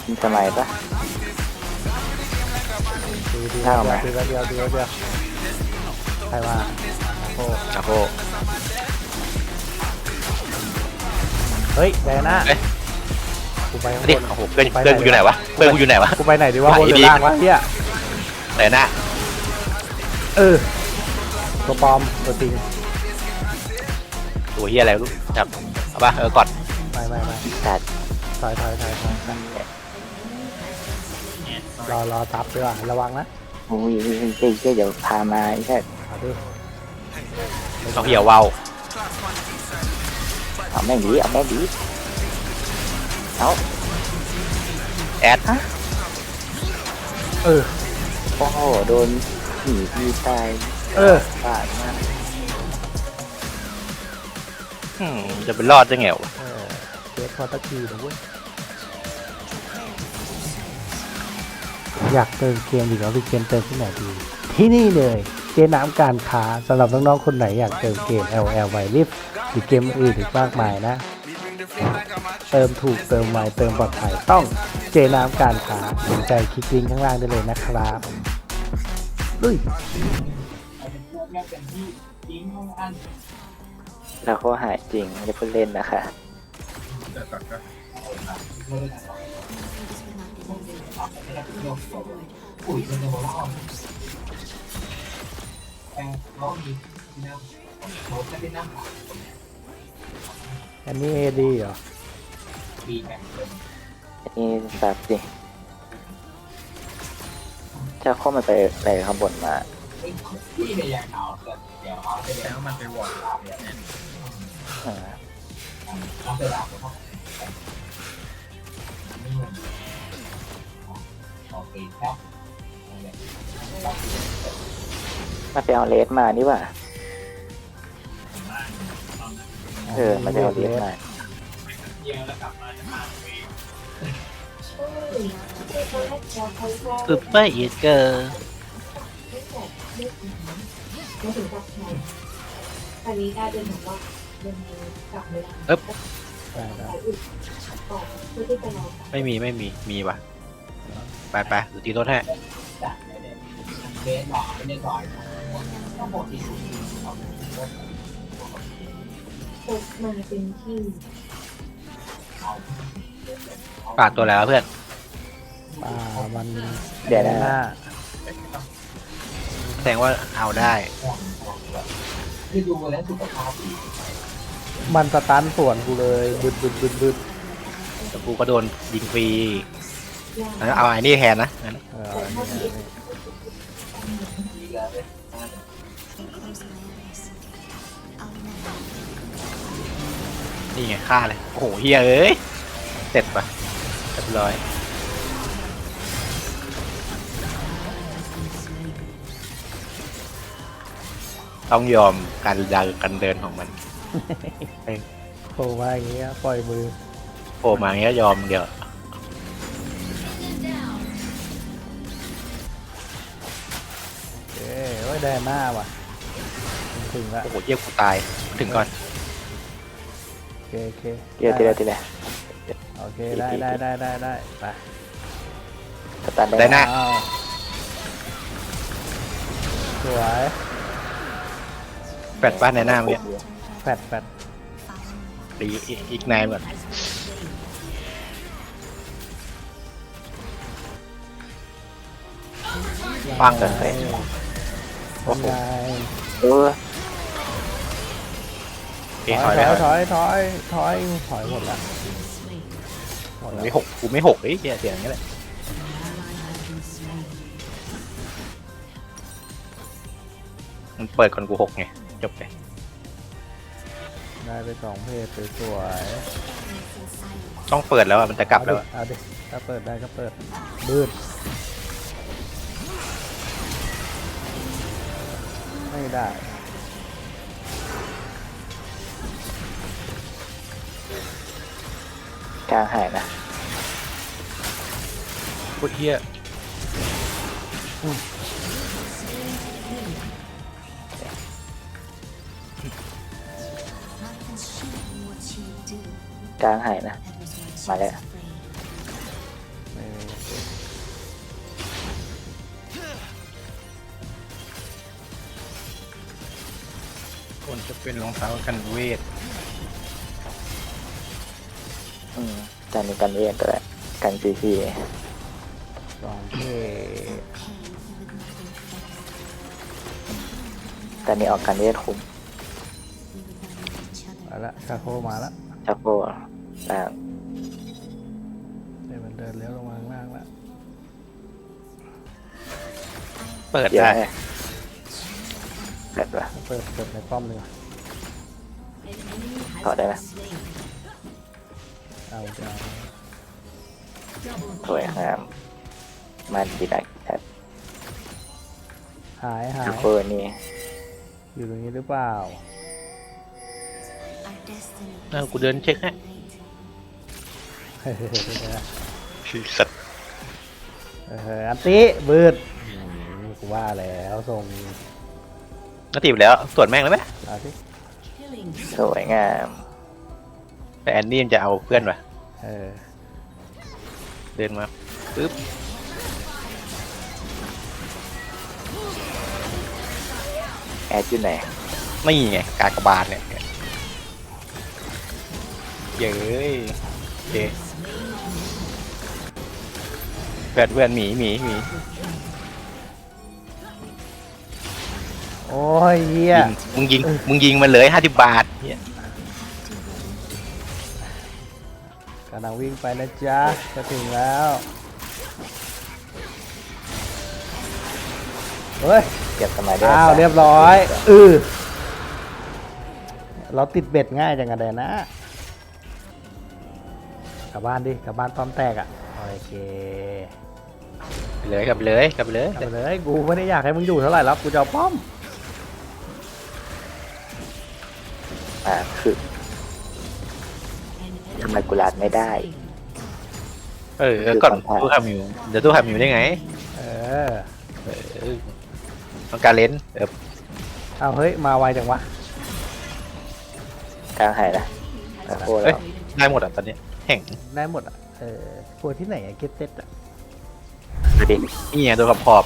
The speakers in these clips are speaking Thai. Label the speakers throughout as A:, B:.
A: มีสมัยปะ
B: ดี
A: ถ้าออกมา
B: เดียวใครมาโอ้
C: นะโค
B: เฮ้ยแดน่า
C: เอ้ย
B: กูไปข้าง
C: ดิ
B: บน
C: โอ้โหเพื่อนกูอยู่ไหนวะเพื่อนกูอยู่ไหนวะ
B: กูไปไหนดีวะ
C: ไหว
B: บนหรือ
C: ดี
B: ล่างวะเฮีย
C: ไหนหน้า
B: ตัวปลอมตัวจริง
C: ตัวเฮียอะไรรู้จับเอาปะกด
B: ไม่
A: ตัด
B: ถอยรอตับดีกว่าระวังนะ
A: โอ้ยเจ๊เดี๋ยวพามาไอ้แค่
B: เอาดิ
C: เอาเหี่ยวเวา
A: เอาแม่งดีเอาแม่งดีเอา
C: แอด
B: เออ
A: โอ้โหโดนผีพี่ตาย บาดมาก
C: จะเป็นรอดได้ไงวะ
B: เกตพอตะกี้นะเว้ยอยากเติมเกมอีกแล้วพี่เกมเติมที่ไหนดีที่นี่เลยเจน้ำการค้าสำหรับน้องๆคนไหนอยากเติมเกม LL ไวลิฟหรือเกมอื่นอีกมากมายนะ เติมถูกเติมไวเติมปลอดภัยต้องเจน้ำการค้าสนใจคลิกลิงก์ข้างล่างได้เลยนะครับลุย
A: แล้วเขาหายจริงไม่ได้พูดเล่นนะคะ
B: อันนี้เอดีเหรอ
A: นี่สับสิถ้าข้อมันไปอะไรข้างบนมา
D: แล้วมันไปวอร์ด
A: เออมาไปเอาเลสมานี่หว่ามาไปเอาเลสมา
C: ปึ๊บไปอีกเกอร์
E: ไม่ถึงกับใครตอนนี้กลายเป็นแบบว่ายังกลับไม่ได้
C: เอ๊บ
B: ได้
E: ต่อเพื่อที่จะรอ
C: ไม่มีว่ะไปหรือตีรถให้
E: พบมาเป็นที่
C: ปาดตัวแล้วเพื่อน
B: ป่ามัน
A: เดี๋ยวนะ
B: หน้า
C: แสดงว่าเอาได้
B: มันสตันส่วนกูเลยบึด
C: แต่กูก็โดนยิงฟรีงั้นเอาไอ้นี่แทนนะงั้น นี่ไงฆ่าเลย โอ้โหเฮียเอ้ย เสร็จปะเรียบร้อย ต้องยอมการเดินของมัน
B: โผล่มาอย่างเงี้ยปล่อยมือ
C: โผล่มาอย่างเงี้ยยอมเดี๋ยว
B: เอ้ยไว้แดนหน้าว่ะถึงละ
C: โอ้โหเยี่ยกูตาย ถึงก่อน
B: โอเค
A: เดี๋ยวทีละ
B: โอเคได้ไป
A: สตาร์ท
C: ได้หน้า
B: อ้าวสวย
C: แฟดบ้านในหน้าเมื่อกี้
B: แฟด
C: ตีอีกนายก่อนฟังกันเลยโอ้โห
A: เออ
B: ถอย
C: ถอย
B: หมดละหมดละ
C: ไม่หกกูไม่หกเสียอย่างนี้แหละมันเปิดก่อนกูหกไงจบไป
B: ได้ไป2เพจสวย
C: ต้องเปิดแล้วมันจะกลับแล้ว
B: เอาดิถ้าเปิดได้ก็เปิดบืดไม่ได้
A: กลางหายนะ
C: พูดเฮีย
A: กลางหายนะ มาแล้ว
B: ไม่
C: จะเป็นรองเท้ากันเวท
A: จานนี้กันเวทตัวแหละกันซีซี
B: 2เท
A: จานนี้ออกกันเวทคุ้ม
B: มาละชาโคมาละ
A: ชักโบล่าง
B: เดี๋ยวมันเดินเลี้ยวลงมาข้างล่างละ
C: เปิด
A: เยอะ
C: ได้
A: ไงแบบว่า
B: เปิดในป้อมเลย
A: ถอดได้ไหม
B: เอาจะ
A: สวยงามมันดีได้แอบ
B: หาย
A: ชักโบนี่
B: อยู่ตรงนี้หรือเปล่า
C: กูเดินเช็คให้ สัตว์
B: อันติบืดกูว่าแล้วส่ง
C: ก็ตีไปแล้วตรวจแม่งแล้วไหม
B: เอาสิ
A: สวยงาม
C: แต่แอนนี่มันจะเอาเพื่อนว่ะ
B: เออ
C: เดินมาปึ๊บ
A: แอดอยู่ไหน
C: ไม่ไงกากบาทเนี่ยเย้ยโอเคเพื่อนหมี
B: โอ้ยเฮีย
C: มึงยิงมันเลย50 บาทเหี้ย
B: กำลังวิ่งไปนะจ๊ะจะถึงแล้วเฮ้ย
A: เก็บสมัยได้
B: อ้าวเรียบร้อยเราติดเบ็ดง่ายจังกันเลยนะกลับบ้านดิกลับบ้านป้อมแตกอ่ะโอเค
C: ไปเลยกลับเลย
B: กลับไปเลยกูไม่ได้อยากให้มึงอยู่เท่าไหร่แล้วกูจะเอาป้อม
A: คือทำไมกูลาดไม่ได้
C: ก่อนตู้ทำอยู่เดี๋ยวตู้ทำอยู่ได้ไง
B: เออ
C: ต้องการเลน
B: เอาเฮ้ยมาไวจังวะ
A: กลางหายนะชักโบ
C: เอ้
A: แล้
C: ยว ได้หมดอ่ะตอนนี้แข่ง
B: ได้หมดอ่ะกลัวที่ไหนอะเก็ตเซ็ตอ่ะ
A: ดูดิ
C: นี่ไงตัวขอบ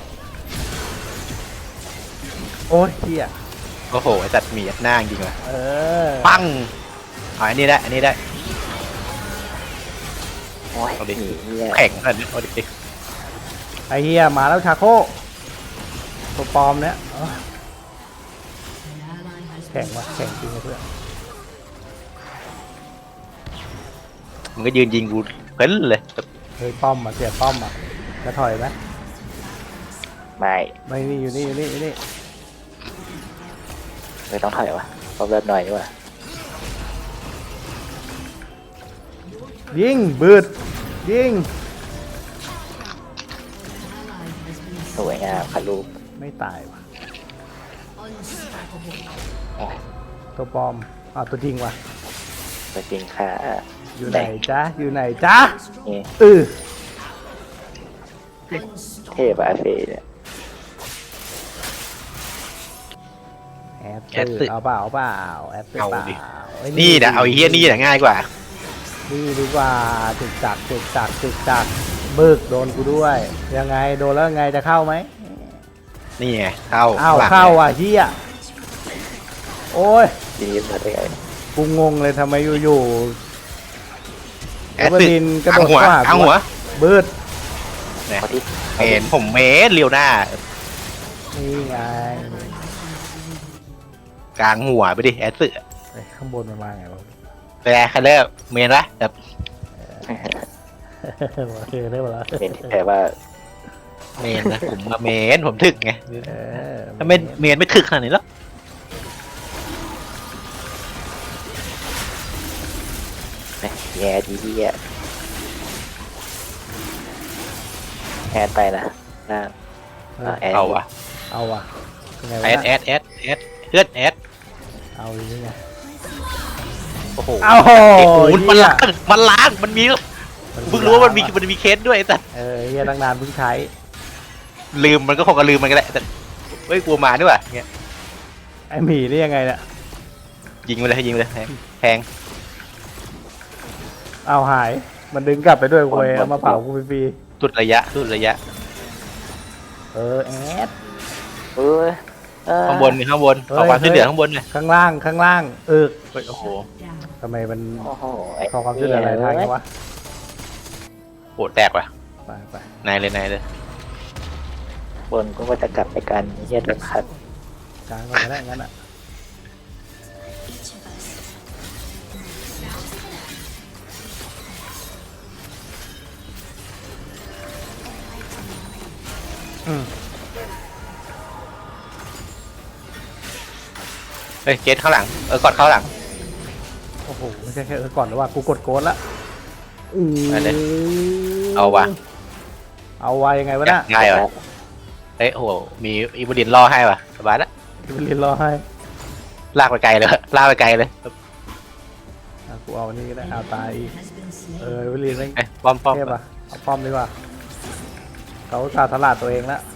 B: โอ้ยเฮีย
C: โอ้โหไอ้จัดหมียัดหน้าจริงว่ะ
B: ปั
C: ปังอันนี้ได้
A: โอ้ย
C: เอาดิ
A: หนีเนี่ย
C: แข่งอันนี้เอาดิ
B: ไอเฮียมาแล้วชาโคตัวปลอมเนี้ยแข่งวะแข่งจริงนะเพื่อน
C: มึงก็ยืนยิงกูเพ้นเลย
B: เฮ้ยป้อมอ่ะเสียป้อมอ่ะจะถอยไหม
A: ไม่
B: ไม่นี่อยู่นี่
A: ไม่ต้องถอยวะเพราะเลือดหน่อยดีกว่า
B: ยิงบืดยิง
A: สวยงามค่ะลูก
B: ไม่ตายวะตัวปลอมตัวจริงวะ
A: ตัวจริงค่ะ
B: อยู่ไหนจ๊ะอยู่ไหนจ๊ะ
A: นี่ เทพอาเฟเนี่ย
B: แอดตื่นเอาเปล่าแอดตื่นเปล่า
C: นี่นะเอาไอ้เฮี้ยนี่แหละง่ายกว่า
B: นี่ดีกว่าถึกจักบึกโดนกูด้วยยังไงโดนแล้วไงจะเข้าไหม
C: นี่ไงเข้า
B: เข้าอ่ะเฮียโอ้ย
A: ทีนี้มาได้ไง
B: กูงงเลยทำไมอยู่ๆ
C: แอดตึก
B: ดินกระโดด
C: เอาหัว
B: บืด
C: เนี่ย
A: พอที่
C: ผมเมสเรียวหน้า
B: นี่ไง
C: กลางหัวไปดิแอดสึ
B: ข้างบนมันมาไงวะ
C: แต่ใครเลิกเมนละแบบ
B: ได้หมดแล้ว
A: เห็นแต่ว่า
C: เมนนะผมมาเมนผมถึกไง
B: เออ
C: ถ้าเมนไม่ถึกขนาดนี้แล้ว
A: แย่ดีที่แย่แอดไปนะล่างแอด
C: เอาวะ
B: เอาว่ะเป็นไงวะ
C: แอดเพื่อนแอด
B: เอาอย่างนี้ไง
C: โอ้โห
B: เอาโห
C: ไอ้กูมันล้างมันมีเพิ่งรู้ว่ามันมีเคสด้วยแต่
B: เฮียตั้งนานเพิ่งใช้
C: ลืมมันก็คงจะลืมมันก็ได้แต่เฮ้ยกลัวมาด้วยเงี้ย
B: ไอหมีนี่ยังไงเนี่ย
C: ยิงไปเลยแทง
B: เอาหายมันดึงกลับไปด้วยเว้ยเอามาเผากูฟรี
C: สุดระยะ
B: แอด
A: เอ้ย
C: ข้างบนมีข้างบนขอความช่วยเหลือข้างบนหน่อย
B: ข้างล่างข้างล่าง
C: โอ้โห
B: ทำไมมัน
A: โอ้โห
B: ขอความช่วยเหลืออะไรทางนี้วะ
C: โหแตกว่ะ
B: ไป
C: นายเลย
A: บนก็ว่าจะกลับไปกันเฮียแบบขัด
B: กลางก่อนก็ได้งั้นอ่ะอืม
C: เฮ้ยเกตข้างหลังกอดเข้าหลัง
B: โอ้โหไม่ใช่แค่ก่อนหรือว่ากูกดโกดละ
C: ไปเลย เอาวะ
B: เอาไว้ยังไงวะน่ะ
C: ง่ายวะเฮ้ยโหมีอีบูดินล่อให้ว่ะสบายละ
B: จะไปเรียนรอให้
C: ลากไปไกลเลยลากไปไกลเลย
B: อ่ะกูเอานี่ก็ได้เอาตายอีกไปเรียนไม่
C: เอ้ยป้อม
B: เทพอ่ะเอาป้อมดีกว่าเขาอุตสาห์ตลาดตัวเองแล้ว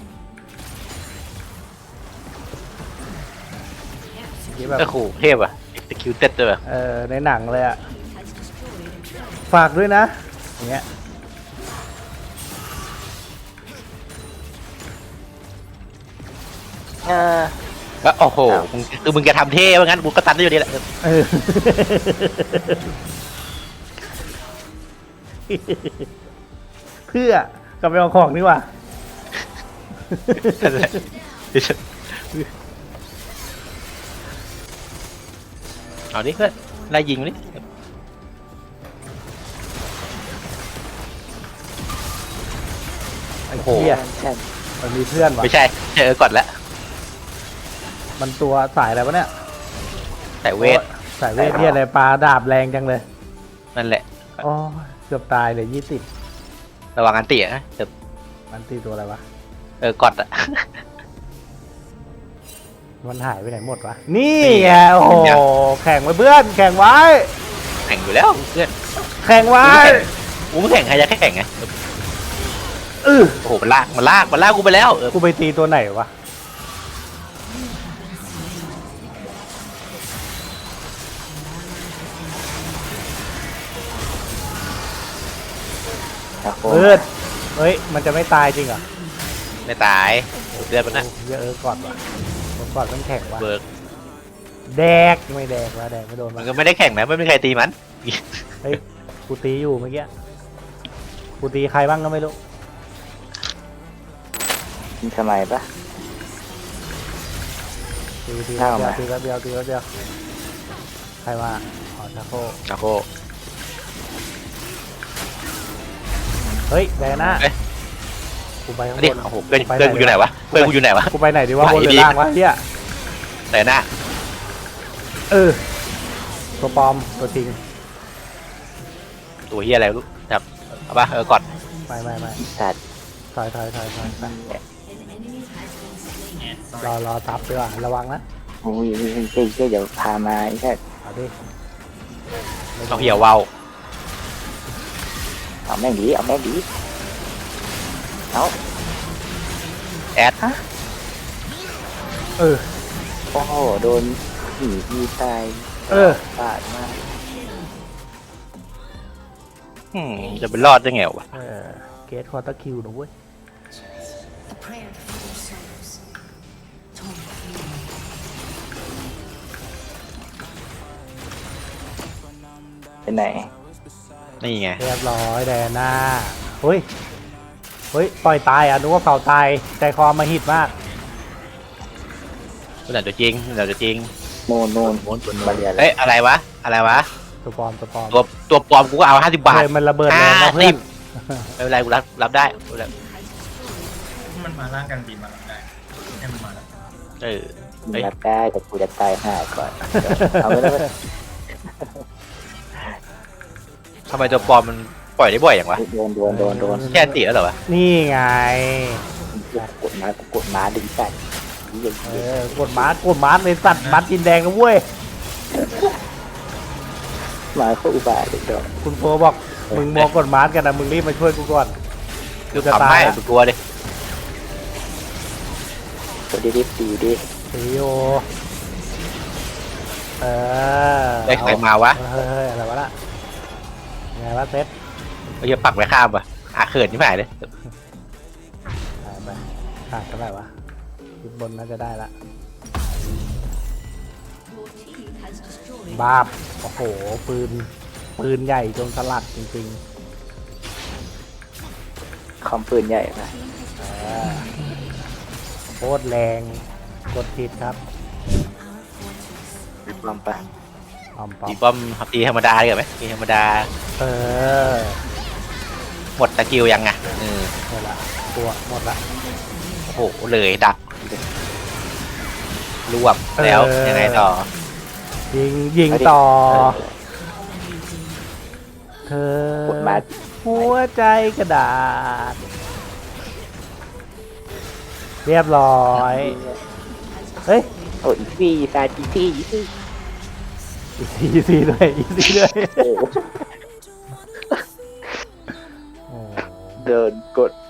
B: ที่แบบ
C: โอ้โหเทพอ่ะ executed ด้วยว่ะ
B: ในหนังเลยอ่ะฝากด้วยนะอย่างเงี้ย
C: แล้วโอ้โหมึงจะทำเท่ว่างั้นกูก็ตันได้อยู่ดีแหละ
B: เออ เพื่อกลับไปเอาของนี่ว่า
C: เอาดิเพื่อนไล่ยิงดิ
B: ไอ้เหี้ยมันมีเพื่อนวะ
C: ไม่ใช่กดแล้ว
B: มันตัวสายอะไรวะเนี่ย
C: แต่เวท
B: สายเวทเหี้ยอะไรปลาดาบแรงจังเลย
C: นั่นแหละ
B: อ๋อเกือบตายเลย20
C: ระวังอันเตี่ยนะแต่
B: มันตีตัวอะไรวะ
C: กดอ่ะ
B: มันหายไปไหนหมดวะนี่ไงโอ้โหแข่งไว้เพื่อนแข่งไว้
C: แข่งอยู่แล้วเพื่อน
B: แข่งไว้
C: กูไม่แข่งใครจะแข่งไง โอ้โหมันลากกูไปแล้ว
B: กูไปตีตัวไหนวะ เฮ้ยมันจะไม่ตายจริงเหรอ
C: ไม่ตายเลือดมันนะ
B: เยอะก่อนวะก่อนมันแข่งวะ
C: เบิร์ก
B: แดกไม่แดกวะแดกไม่โดน
C: มั
B: วะ
C: นก็ไม่ได้แข่งนะไม่มีใครตีมัน
B: เฮ้ยกูตีอยู่เมื่อกี้กูตีใครบ้างก็ไม่รู้
A: มีสมัยปะ
B: ตีแล้วเดียวใครมาอ๋อชาโค
C: ชาโค
B: เฮ้ยแดน่ากูไปข้างบ
C: นี่
B: น
C: โอ้โหเพื่อนกูอยู่ไหนวะเพื่อนกูอยู่ไหนวะ
B: กูไปไหนดีวะบนหรือล่างวะเฮีย
C: แต่หน้า
B: ตัวปลอมตัวจริง
C: ตัวเฮียอะไรรู้ครับเอาปะกด
B: ไม่
A: สัตว์
B: ถอยรอทับดีกว่าระวังนะ
A: โอ้ยเจ๊เดี๋ยวพามาไอ้แค่
B: เอาดิ
C: ต้องเหี่ยววาว
A: เอาแม่งดีเอา
C: แอด
B: เออ
A: โอ้โหโดนผีพี่ตายปาดมาก
C: จะเป็นรอดได้ไงวะ
B: เกตควอเตอร์คิวนะเว้ย
F: A prayer for your souls. Torn from
A: เป็นไหน
C: นี่ไง
B: เรียบร้อยแดน่าเฮ้ยปล่อยตายอ่ะนึกว่าเผาตายใจคอมาหิดมาก
C: ตัวไหนตัวจริง
A: โน่นบาเรีย
C: เอ้ยอะไรวะ
B: ตัวปลอม
C: ตัวปลอมกูก็เอา50 บาท
B: เลยมันระเบิดแรงนะเพื่อน
C: ไม่เป็นไรกูรับได้
D: มันมาล่างกันบินมาแล้วได้ให้มันมาแล้ว
A: มึงรับได้แต่กูจะตายห่าก่อนเอาไปแล้ว
C: ทำไมตัวปลอมมันปล่อยได้บ่อยอย่างวะ
A: โดน
C: แค่ตีแล้วเหรอวะ
B: นี่ไง
A: กดม้าดึงใส่
B: กดม้าเลยสัตว์ม้าจินแดงนะเว้ย
A: มาเข้าอุบาทเด็กดอก
B: คุณโฟบอกมึงมองกดม้ากันนะมึงรีบมาช่วยกูก่อน
C: คือทำให้กลัวดิ
A: ตัวดีดิ
B: ซีโอ
C: ได้ใครมาวะ
B: เฮ้ยอะไรวะล่ะไงวะเซต
C: เราจะปักไว้ข้ามวะเขินที่ไหนเลย
B: ไปขาดเท่าไหร่วะขึ้นบนน่าจะได้ละบาบโอ้โหปืนใหญ่จนสลัดจริง
A: คอมปืนใหญ่นะ
B: ๆโคตรแรงกดผิดครับ
A: ลองไป
B: ปอม
C: ตีป้อมตีธรรมดาดีกว่าไหมตีธรรมดา
B: เออ
C: หมดสกิลยังไงเออ
B: หมดละตัวหมดละ
C: โอ้โหเลยดักรวบแล้วยังไงต่อ
B: ยิงต่อ เธอก
A: ดมา
B: หัวใจกระดาษ เรียบร้อย เฮ้ย
A: โอ้อีซี่ซาจีซี่อีซี่
B: อีซีด้วยอีซีด้วย
A: โอ้
B: โอ้
A: เดินกด